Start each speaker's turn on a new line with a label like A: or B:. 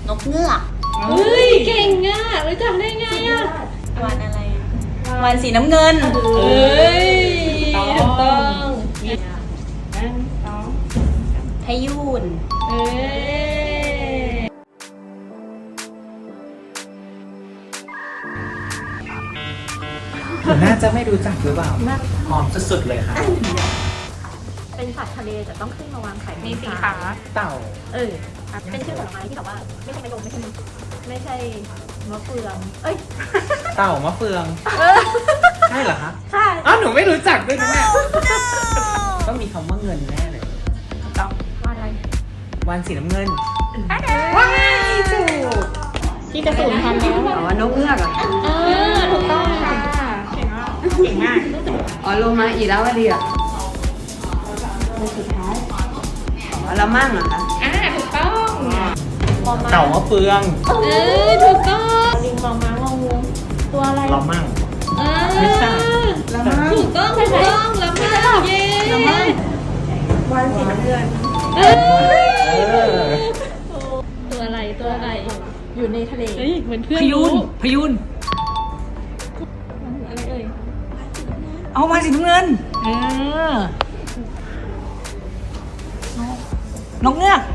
A: นกเงือก
B: เฮ้ยเก่งอ่ะรู้จักได้ไงอ่ะ
A: วานอะไรวานสีน้ำเงิน
B: เฮ้ยถูกต้อง
A: พายุน
B: เอ้ย
C: ผมน่าจะไม่รู้จักหรือเปล่าหอมสุดๆเลยค่ะ
D: เป็นสัตว์ทะเลแต่ต้องขึ้นมาวางไข่
B: มีสีขา
C: เต่า
D: เป็นชื่อผลไม้ที่แบบว่าไม่ใช่มะยงไม่ใช่มะเฟืองเอ้ย
C: เต่ามะเฟือง ใช่เหรอคะ
D: ใช่
C: อ้าวหนูไม่รู้จักด้วยนะเนี่ยต้องมีคำว่าเงินแน่เลย
D: ว่าอะไร
C: วานสีน้ำเงินว้ายถูก
D: ที่จะสูญพันธุ์แล้ว
E: อ๋อนกเงือกเหรอ
D: ถูกต้องค่ะ
B: เก่งมาก
E: อ๋อโลมาอีแล้วดีอ่ะอ๋อละมั่งเหรอคะ
B: ถูกต้อง
C: เต่ามะเฟือง
B: ถูกต้อง
D: ลิงมองม้างองูตัวอะไร
C: เรามั่ง
B: ไม่ใช่
E: ละมั่ง
B: ถูกต้องถูกต้องแล้วมากเย้
E: วันสีน้ำเงิน
B: เอ้ย
C: เออ
B: ตัวอะไรตัวอะไร
D: อยู่ในทะเล
B: เฮ้ยเหมือนเพื่อน
C: พยุนพยุน
D: อะไรเอ่ย
C: เอาวานสีน้ำเงินนกเงือก